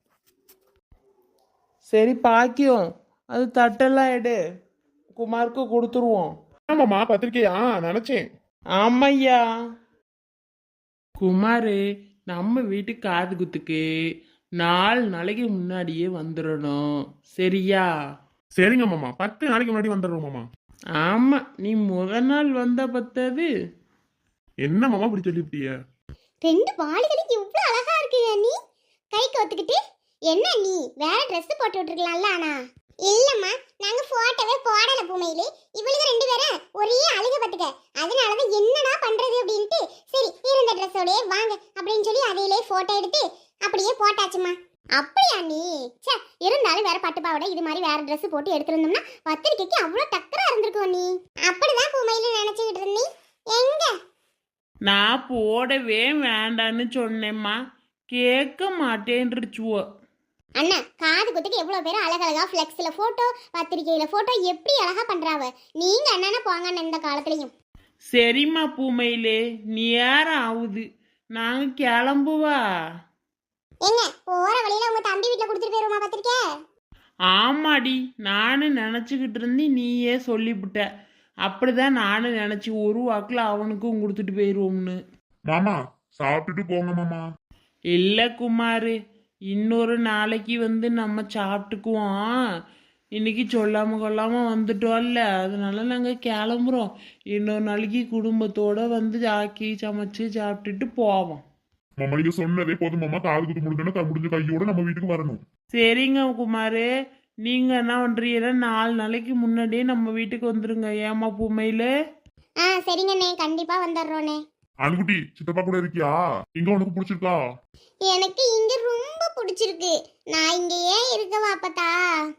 S2: சரி பாக்கியம், அது தட்டெல்லாம் எடு, குமாருக்கு கொடுத்துருவோம்.
S3: ஆமாம்மா, பத்திரிக்கையா நினைச்சேன்.
S2: ஆமையா. குமாரு, நம்ம வீட்டு காது குத்துக்கு நாலு நாளைக்கு முன்னாடியே வந்துடணும். சரியா?
S3: சரிங்க மாமா, பத்து நாளைக்கு முன்னாடி வந்துடுறோம் மாமா.
S2: ஆமா, நீ முத நாள் வந்த பத்தது.
S3: என்ன மாமா இப்படி சொல்லிவிட்டிய?
S1: ரெண்டு வாளிகளுக்கு இவ்வளவு அழகா இருக்கு நீ கை கோத்துக்கிட்டு. என்ன நீ வேற ட்ரெஸ் போட்டு விட்டுருக்கலாம்ல? ஆனா இல்லம்மா, நாங்க போட்டோவே போடல பூமையிலே. இவளுக்கு ரெண்டு பேரும் ஒரே அழுக பத்துக்க. அதனாலதான் என்னடா பண்றது அப்படின்ட்டு சரி இருந்த ட்ரெஸ்ஸோடய வாங்க அப்படின்னு சொல்லி அதையிலே போட்டோ எடுத்து அப்படியே போட்டாச்சுமா. அப்படியா நீ? சே, இருந்தாலும் வேற பட்டு பாவாடை இது மாதிரி வேற ட்ரெஸ் போட்டு எடுத்திருந்தோம்னா பத்திரிக்கைக்கு அவ்வளவு டக்கரா இருந்திருக்கும். நீ அப்படிதான் பூமையில நினைச்சுக்கிட்டு இருந்தீ. எங்க
S2: நான் போடவே வேண்டான்னு சொன்னேம்மா, கேட்க மாட்டேன்றுச்சுவோ.
S1: அண்ணா, காது குத்துக்கு எவ்வளவு பேர் அழகழகா ஃப்ளெக்ஸ்ல போட்டோ, பத்திரிக்கையில போட்டோ எப்படி அழகா பண்றாவ. நீங்க அண்ணன போங்க இந்த காலத்துலயும்.
S2: சரிம்மா பூமையிலே, நேரம் ஆகுது, நாங்க கிளம்புவா.
S1: ஏங்க, போற வழியில உங்க தம்பி வீட்டுல கொடுத்துட்டு போயிருமா பத்திரிக்கை?
S2: ஆமாடி, நானும் நினச்சிக்கிட்டு இருந்து நீயே சொல்லிவிட்ட. அப்படிதான் நானும் நினச்சி ஒரு வாக்கில் அவனுக்கும் கொடுத்துட்டு போயிடுவோம்னு.
S3: மாமா சாப்பிட்டுட்டு போங்க மாமா.
S2: இல்லை குமார், இன்னொரு நாளைக்கு வந்து நம்ம சாப்பிட்டுக்குவோம். இன்னைக்கு சொல்லாமல் கொள்ளாமல் வந்துட்டோம்ல, அதனால நாங்கள் கிளம்புறோம். இன்னொரு நாளைக்கு குடும்பத்தோடு வந்து ஆக்கி சமைச்சு சாப்பிட்டுட்டு போவோம்.
S3: மாமா நீங்க சொன்னதே போதும் மாமா. காது குத்து முடிஞ்சோன்னா முடிஞ்ச கையோட நம்ம வீட்டுக்கு வரணும்.
S2: சரிங்க குமார், நீங்கள் என்ன பண்ணுறீங்கன்னா நாலு நாளைக்கு முன்னாடியே நம்ம வீட்டுக்கு வந்துடுங்க. ஏமா பூமையில்?
S1: ஆ சரிங்கண்ணே, கண்டிப்பா வந்துடுறோண்ணே.
S3: அனுக்குட்டி சித்தப்பா கூட இருக்கியா? இங்க உனக்கு பிடிச்சிருக்கா?
S1: எனக்கு இங்க ரொம்ப பிடிச்சிருக்கு. நான் இங்க ஏன் இருக்கவா அப்பத்தா?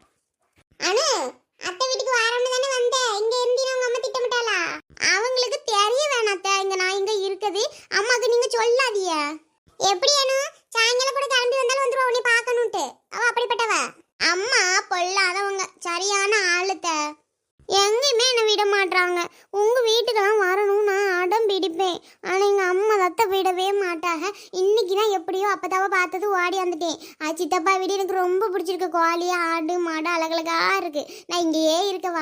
S1: அனு, அத்தை வீட்டுக்கு வரணும்னு தானே வந்தேன். இங்க இருந்தீங்க உங்க அம்மா திட்டமிட்டாளா? அவங்களுக்கு தெரிய வேணாத்த இங்க நான் இங்க இருக்குது. அம்மாக்கு நீங்க சொல்லாதீங்க. எப்படி அனு? சாயங்காலம் கூட கிளம்பி வந்தாலும் வந்துருவா உன்னை பார்க்கணும்ட்டு. அவ அப்படிப்பட்டவ. அம்மா பொல்லாதவங்க, சரியான ஆளுத்த. எங்கேயுமே என்னை விட மாட்டாங்க. உங்க வீட்டுக்கு தான் வரணும் நான் அடம் பிடிப்பேன். ஆனா எங்க அம்மா தத்த விடவே மாட்டாங்க. இன்னைக்கு தான் எப்படியோ அப்பதாவ பார்த்தது ஓடி வந்துட்டேன். அது சித்தப்பா வீடு எனக்கு ரொம்ப பிடிச்சிருக்கு. கோழி ஆடு மாடு அழகழகா இருக்கு. நான் இங்கேயே இருக்கவா?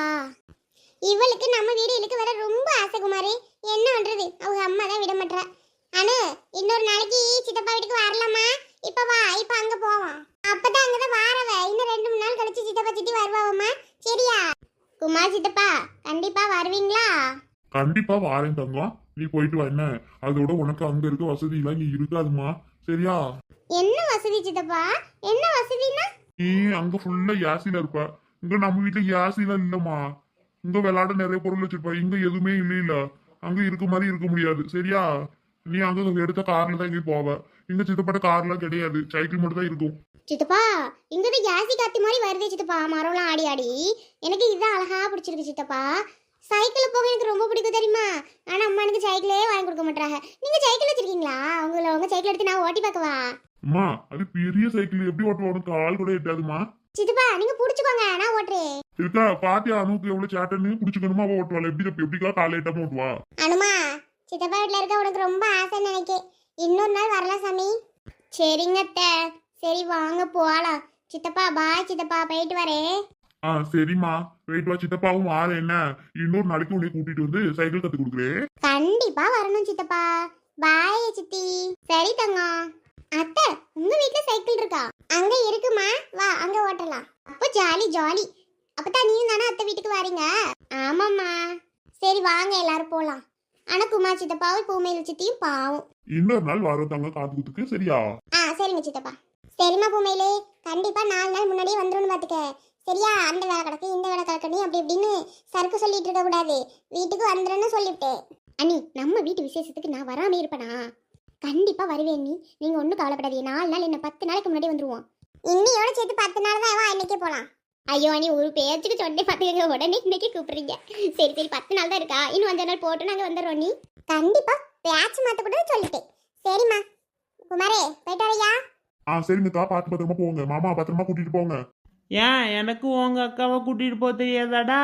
S1: இவளுக்கு நம்ம வீடு இழுக்கு வர ரொம்ப ஆசை குமாரி. என்ன பண்றது, அவங்க அம்மா தான் விட மாட்டா. அனு, இன்னொரு நாளைக்கு சித்தப்பா வீட்டுக்கு வரலாமா? இப்ப வா, இப்ப அங்க போவோம். அப்பதான் அங்கதான் வாரவ. இன்னும் ரெண்டு மூணு நாள் கழிச்சு சித்தப்பா சித்தி வருவாவம்மா. சரியா குமார் சித்தப்பா? கண்டிப்பா வருவீங்களா?
S3: கண்டிப்பா வாரேன் தங்கம், நீ போயிட்டு வா. என்ன அதோட உனக்கு அங்க இருக்க வசதி எல்லாம் இங்க இருக்காதுமா, சரியா?
S1: என்ன வசதி சித்தப்பா? என்ன வசதினா?
S3: நீ அங்க ஃபுல்லா யாசில இருப்ப. இங்க நம்ம வீட்டுல யாசில இல்லம்மா. இங்க விளையாட நிறைய பொருள் வச்சிருப்ப. இங்க எதுவுமே இல்ல இல்ல. அங்க இருக்க மாதிரி இருக்க முடியாது, சரியா? நீ அங்க எடுத்த கார்ல தான் இங்க போவ. இங்க சித்தப்பட்ட கார்லாம் கிடையாது, சைக்கிள் மட்டும் தான் இருக்கும்.
S1: சித்தப்பா, இங்கதான் யாசி காத்தி மாதிரி வருதே சித்தப்பா, மரம்லாம் ஆடி ஆடி. எனக்கு இதுதான் அழகா பிடிச்சிருக்கு சித்தப்பா. சைக்கிள் போக எனக்கு ரொம்ப பிடிக்கும் தெரியுமா? ஆனா அம்மா எனக்கு சைக்கிளே வாங்கி கொடுக்க மாட்டாங்க. நீங்க சைக்கிள் வச்சிருக்கீங்களா? உங்களை உங்க சைக்கிள் எடுத்து நான் ஓட்டி பார்க்கவா?
S3: அம்மா அது பெரிய சைக்கிள், எப்படி ஓட்டுவா? உனக்கு கால் கூட எட்டாதுமா.
S1: சித்தப்பா நீங்க புடிச்சுக்கோங்க, நான் ஓட்டுறேன்.
S3: இருக்கா பாத்தியா அனுக்கு எவ்வளவு சேட்டன்னு? புடிச்சுக்கணுமா? அவ ஓட்டுவாள். எப்படி எப்படிக்கா கால் எட்டாம ஓட்டுவா?
S1: அனுமா, சித்தப்பா வீட்டுல இருக்க உனக்கு ரொம்ப ஆசைன்னு நினைக்கேன். இன்னொரு நாள் வரலாம் சாமி. சரிங்க அத்தை, சரி வாங்க போகலாம். சித்தப்பா பாய் சித்தப்பா, போயிட்டு வரேன்.
S3: ஆ சரிம்மா, போயிட்டு வா. சித்தப்பாவும் வார. என்ன இன்னொரு நாளைக்கு உன்னை கூட்டிட்டு வந்து சைக்கிள் கத்து கொடுக்குறேன்.
S1: கண்டிப்பா வரணும் சித்தப்பா. பாய் சித்தி. சரி தங்கம். அத்தை, உங்க வீட்ல சைக்கிள் இருக்கா? அங்க இருக்குமா, வா அங்க ஓட்டலாம். அப்போ ஜாலி ஜாலி. அப்பதான் நீயும் தானே அத்தை வீட்டுக்கு வரீங்க? ஆமாம்மா. சரி வாங்க எல்லாரும் போலாம். ஆனா குமார் சித்தப்பாவும் பூமையில் சித்தியும் பாவம்.
S3: இன்னொரு நாள் வரோம் தங்க காது குத்துக்கு, சரியா?
S1: ஆ சரிங்க சித்தப்பா. சரிம்மா பூமையிலே, கண்டிப்பா நாலு நாள் முன்னாடியே வந்துருன்னு பாத்துக்க, சரியா? அந்த வேலை கிடக்கு இந்த வேலை கிடக்கணும் அப்படி இப்படின்னு சறுக்கு சொல்லிட்டு இருக்க கூடாது. வீட்டுக்கு வந்துருன்னு சொல்லிவிட்டேன். அண்ணி, நம்ம வீட்டு விசேஷத்துக்கு நான் வராம இருப்பேனா? கண்டிப்பா வருவேன் நீ. நீங்க ஒன்றும் கவலைப்படாதீங்க. நாலு நாள் என்ன பத்து நாளைக்கு முன்னாடி வந்துருவோம். இன்னையோட சேர்த்து பத்து நாள் தான். வா இன்னைக்கே போலாம். ஐயோ அண்ணி, ஒரு பேச்சுக்கு சொன்னே பார்த்துக்கங்க, உடனே இன்னைக்கு கூப்பிடுறீங்க. சரி சரி, பத்து நாள் தான் இருக்கா, இன்னும் அஞ்சு நாள் போட்டு நாங்கள் வந்துடுறோம். நீ கண்டிப்பா பேச்சு மாற்ற கூட சொல்லிட்டேன். சரிம்மா. குமாரே போயிட்டு வரையா?
S3: ஆ சரிங்க தா, பார்த்து பத்திரமா போங்க. மாமா பத்திரமா கூட்டிட்டு போங்க.
S2: ஏன் எனக்கு உங்க அக்காவை கூட்டிட்டு போக தெரியாதாடா?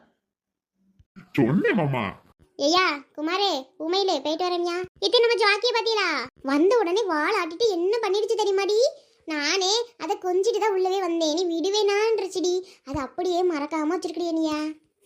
S3: சொன்னேன் மாமா.
S1: ஐயா குமாரே, உமையிலே போயிட்டு வரேன்யா. இது நம்ம ஜாக்கிய பாத்தீங்களா? வந்த உடனே வாள் ஆட்டிட்டு என்ன பண்ணிடுச்சு தெரியுமாடி? நானே அதை கொஞ்சிட்டு தான் உள்ளவே வந்தேன். நீ விடுவேனான்றச்சுடி. அது அப்படியே மறக்காம வச்சிருக்கிறியா?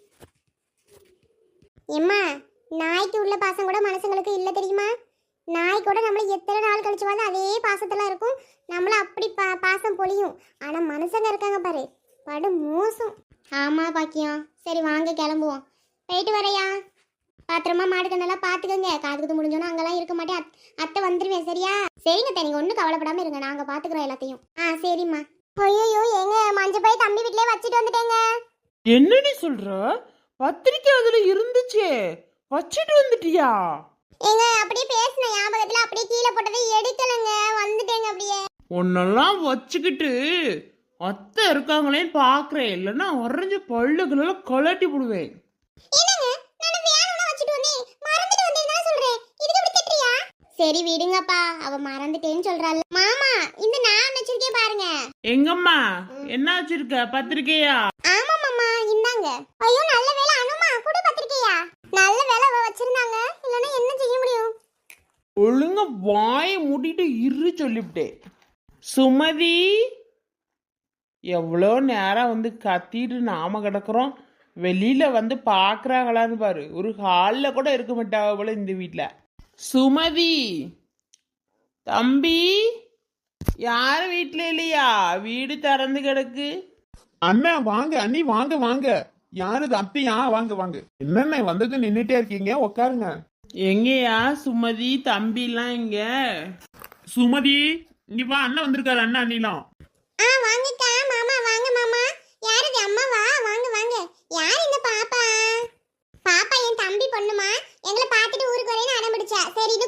S1: எம்மா, நாய்க்கு உள்ள பாசம் கூட மனுஷங்களுக்கு இல்லை தெரியுமா? நாய் கூட நம்மளை எத்தனை நாள் கழிச்சுவாலும் அதே பாசத்தெல்லாம் இருக்கும். நம்மள அப்படி பா பாசம் பொழியும். ஆனா மனுஷங்க இருக்காங்க பாரு, படு மோசம். ஆமா பாக்கியம். சரி வாங்க கிளம்புவோம். போயிட்டு வரையா? பாத்திரமா மாடு கண்ணெல்லாம் பாத்துக்கோங்க. காது குத்து முடிஞ்சோன்னா அங்கெல்லாம் இருக்க மாட்டேன். அத்தை வந்துருவேன், சரியா? சரிங்க அத்தை, நீங்க ஒன்றும் கவலைப்படாம இருங்க, நாங்க பாத்துக்கிறோம் எல்லாத்தையும். ஆ சரிம்மா. ஐயோ, எங்க மஞ்சள் போய் தம்பி வீட்லயே வச்சுட்டு வந்துட்டேங்க.
S2: என்னடி சொல்ற? பத்திரிக்கை அதுல இருந்துச்சே, வச்சிட்டு வந்துட்டியா?
S1: ஏங்க அப்படியே பேசின ஞாபகத்துல அப்படியே கீழே போட்டதை எடுக்கலங்க, வந்துட்டேங்க அப்படியே.
S2: உன்னெல்லாம் வச்சுக்கிட்டு அத்தை இருக்காங்களேன்னு பாக்குறேன், இல்லைன்னா உறைஞ்ச பல்லுகளெல்லாம் கலட்டி போடுவேன்.
S1: என்னங்க, நான் வேணும்னா வச்சிட்டு வந்தேன், மறந்துட்டு வந்தேன்னு சொல்றேன். இதுக்கு இப்படி திட்டுறியா? சரி விடுங்கப்பா, அவ மறந்துட்டேன்னு சொல்றாள். மாமா, இந்த நான் வச்சிருக்கேன் பாருங்க.
S2: எங்கம்மா என்ன வச்சிருக்க? பத்திரிக்கையா?
S1: ஆமா மாமா, இந்தாங்க. ஐயோ நல்ல வேளை அனுமா கூட பத்திரிக்கையா? நல்ல வேளை அவ வச்சிருந்தாங்க, இல்லனா என்ன செய்ய முடியும்?
S2: ஒழுங்கா வாயை மூடிட்டு இரு சொல்லிவிட்டேன். சுமதி, எவ்வளோ நேரம் வந்து கத்திட்டு நாம கிடக்குறோம், வெளியில வந்து பாக்குறாங்களான்னு பாரு. ஒரு ஹாலில் கூட இருக்க மாட்டாங்க போல இந்த வீட்டில். சுமதி, தம்பி, யார் வீட்டில் இல்லையா? வீடு திறந்து கிடக்கு.
S3: அண்ணா வாங்க, அண்ணி வாங்க வாங்க. யாரு அத்தையா? வாங்க வாங்க. என்னண்ணே வந்தது நின்னுட்டே இருக்கீங்க, உட்காருங்க.
S2: எங்கேயா சுமதி தம்பிலாம் இங்க?
S3: சுமதி இங்க வா, அண்ணன் வந்திருக்காரு. அண்ணா அண்ணிலாம்.
S1: ஆ வாங்கக்கா மாமா, வாங்க மாமா. யாரது அம்மாவா? வாங்க வாங்க. யார் இந்த பாப்பா? பாப்பா என் தம்பி பொண்ணுமா. எங்களை பார்த்துட்டு ஊருக்கு வரேன்னு அடம் பிடிச்சா. சரி இது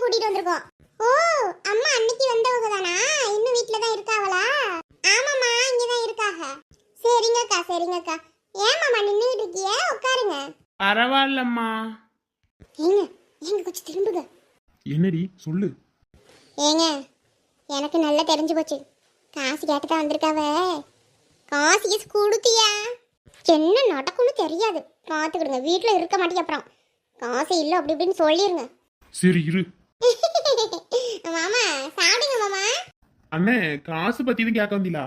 S2: பரவாயில்லம்மா.
S1: ஏங்க ஏங்க கொஞ்சம் திரும்புங்க.
S3: என்னடி சொல்லு.
S1: ஏங்க எனக்கு நல்லா தெரிஞ்சு போச்சு. காசு கேட்டு தான் வந்திருக்காவ. காசு கீசு கொடுத்தியா? என்ன நடக்கும்னு தெரியாது. பார்த்துக்கிடுங்க. வீட்டில் இருக்க மாட்டேங்க. அப்புறம் காசு இல்லை அப்படி இப்படின்னு சொல்லிடுங்க.
S3: சரி இரு.
S1: மாமா சாப்பிடுங்க மாமா.
S3: அண்ணே காசு பத்தி தான் கேட்க வந்தீங்களா?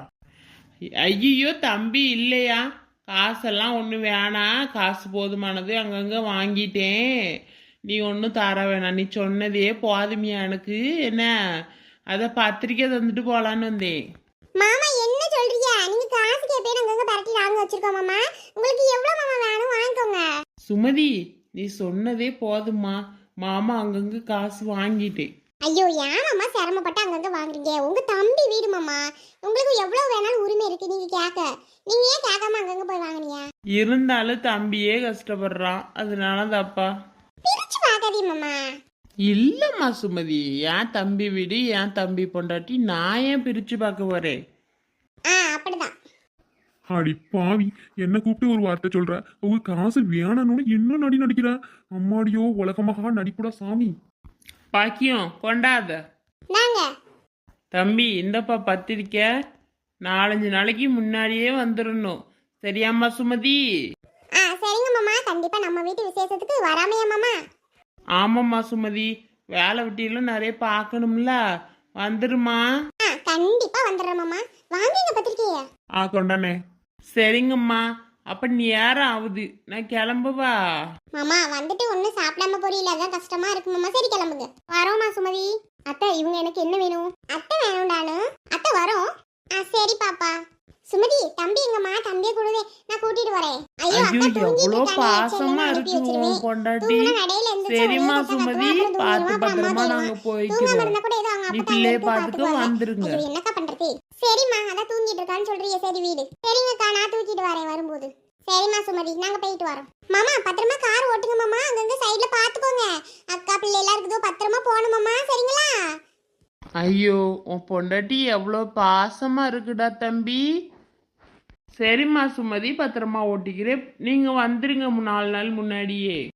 S2: ஐயோ தம்பி இல்லையா, காசெல்லாம் ஒன்றும் வேணாம், காசு போதுமானது அங்கங்கே வாங்கிட்டேன், நீ ஒன்றும் தர வேணாம், நீ சொன்னதே போதுமியா எனக்கு என்ன, அதை பத்திரிக்கை தந்துட்டு போகலான்னு வந்தேன்.
S1: மாமா என்ன சொல்றீங்க? நீங்க காசு கேப்பே நாங்க பரட்டி நாங்க வச்சிருக்கோம் மாமா. உங்களுக்கு எவ்வளவு மாமா வேணும் வாங்கிக்கோங்க.
S2: சுமதி நீ சொன்னதே போதுமா, மாமா அங்கங்கே காசு வாங்கிட்டேன்.
S1: ஐயோ ஏன் மாமா சிரமப்பட்டு அங்கங்க வாங்குறீங்க? உங்க தம்பி வீடு மாமா, உங்களுக்கு எவ்வளவு வேணாலும் உரிமை இருக்கு நீங்க கேட்க. நீங்க ஏன் கேட்காம அங்கங்க போய் வாங்குனீங்க?
S2: இருந்தாலும் தம்பியே கஷ்டப்படுறான், அதனால தப்பா.
S1: பிரிச்சு பார்க்காதீங்க மாமா.
S2: இல்லம்மா சுமதி, என் தம்பி வீடு என் தம்பி பொண்டாட்டி, நான் ஏன் பிரிச்சு பார்க்க போறேன்?
S1: ஆ அப்படிதான்.
S3: அடி பாவி, என்ன கூப்பிட்டு ஒரு வார்த்தை சொல்ற. உங்க காசு வேணும்னு என்ன நடி நடிக்கிற? அம்மாடியோ உலகமாக நடிப்புடா சாமி.
S2: பாக்கியம் கொண்டாத.
S1: நாங்க
S2: தம்பி இந்தப்பா பத்திரிக்கை, நாலஞ்சு நாளைக்கு முன்னாடியே வந்துடணும், சரியாம்மா சுமதி?
S1: ஆ சரிங்க மாமா. கண்டிப்பா நம்ம வீட்டு விசேஷத்துக்கு வராமையா மாமா?
S2: ஆமாம்மா சுமதி, வேலை வெட்டியெல்லாம் நிறைய பார்க்கணும்ல, வந்துருமா?
S1: ஆ கண்டிப்பா வந்துடுறேன் மாமா. வாங்கிங்க பத்திரிக்கைய.
S2: ஆ கொண்டானே. சரிங்கம்மா, அப்ப நேரம் ஆகுது, நான் கிளம்புவா.
S1: மாமா வந்துட்டு ஒன்றும் சாப்பிடாம போறீல, அதான் கஷ்டமா இருக்கு மாமா. சரி கிளம்புங்க. வரோமா சுமதி? அத்தை இவங்க எனக்கு என்ன வேணும்? அத்தை வேணும்டானு. அத்தை வரோம். ஆ சரி பாப்பா. சுமதி தம்பி எங்கம்மா? தம்பியை கொடுவே, நான் கூட்டிட்டு வரேன். ஐயோ
S2: ஐயோ
S1: அக்கா தூங்கிட்டு
S2: எவ்வளோ
S1: இருக்கானே,
S2: பாசமா
S1: செல்லுன்னு அனுப்பி
S2: இருக்கு
S1: வச்சிருவேன்.
S2: உன் பொண்டாட்டி.
S1: தூங்குனா நடையில எந்திரிச்சு
S2: சரிம்மா
S1: ஒரே கத்த
S2: சுமதி,
S1: கத்துவா, அப்புறம்
S2: பார்த்து
S1: தூங்கிடுவான், அப்புறம்
S2: பத்திரமா
S1: அம்மா
S2: நாங்க
S1: தேடுவான். தூங்காம
S2: போய்க்கிறோம்,
S1: இருந்தா கூட ஏதோ அவங்க
S2: நீ
S1: அப்பா
S2: பிள்ளைய
S1: எடுத்து
S2: பார்த்துட்டு
S1: பார்த்துக்குவாங்க.
S2: வந்துருங்க.
S1: ஐயோ என்னக்கா பண்றது? சரிம்மா அதான் தூங்கிட்டு இருக்கான்னு சொல்றீங்க. சரி வீடு. சரிங்கக்கா நான் தூக்கிட்டு வரேன் வரும்போது. சரிம்மா சுமதி நாங்க போயிட்டு வரோம். மாமா பத்திரமா கார் ஓட்டுங்க மாமா. அங்கங்க சைடுல பாத்துக்கோங்க. அக்கா பிள்ளை எல்லாம் இருக்குதோ, பத்திரமா போகணும் மாமா. சரிங்களா?
S2: ஐயோ உன் பொண்டாட்டி எவ்வளோ பாசமா இருக்குடா தம்பி. சரிம்மா சுமதி, பத்திரமா ஓட்டிக்கிறேன், நீங்க வந்துருங்க நாலு நாள் முன்னாடியே.